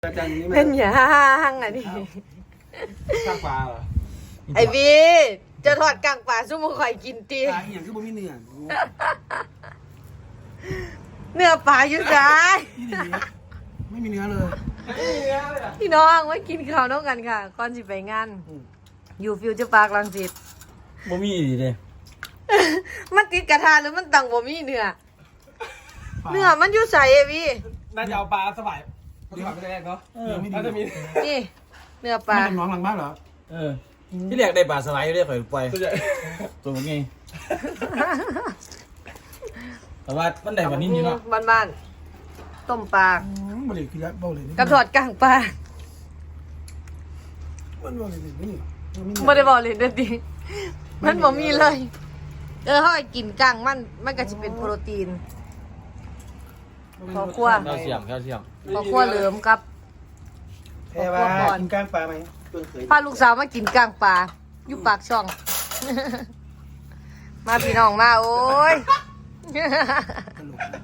เป็นยังอันนี้ข้างปลาเหรอไอพี่จะทอดกลางป่าซุ่มข่อยกินตีปลาอย่างคือบ่มีเนื้อเนื้อปลาอยู่ซ้ายไม่มีเนื้อเลยไม่มีเนื้อเลยพี่น้องไว้กินข้าวน้องกันค่ะก่อนสิไปงานอยู่ฟิวเจอร์ปาร์ครังสิตบ่มีดีเด้มันติดกระทะหรือมันตังบ่มีเนื้อมันอยู่ใส่ไอพี่น่าจะเอาปลาสบายปลาสบายไม่ได้เนาะน่าจะมีนี่เนื้อปลาเป็นน้องหลังบ้านเหรอที่แรกได้ปลาสไลด์ได้ข่อยปล่อยตัวมึงไงแต่ว่ามันได้กว่านี้นี่เนาะบ้านๆต้มปลาบ่เลยคือแล้วบ่เลยกับทอดกลางปลามันบ่เลยนี่ไม่ได้บอกเลยเด็ดดิมันบ่มีเลยเขาให้กินกลางมันก็จะเป็นโปรตีนขอคั่วแคลเซียมขอคั่วเหลิมกับแพ้ว่ากินก้างปลาไหมเพิ่งเคยพาลูกสาวมากินกลางปลาอยู่ปากช่อง มาพี่น้องมาโอ้ยตลก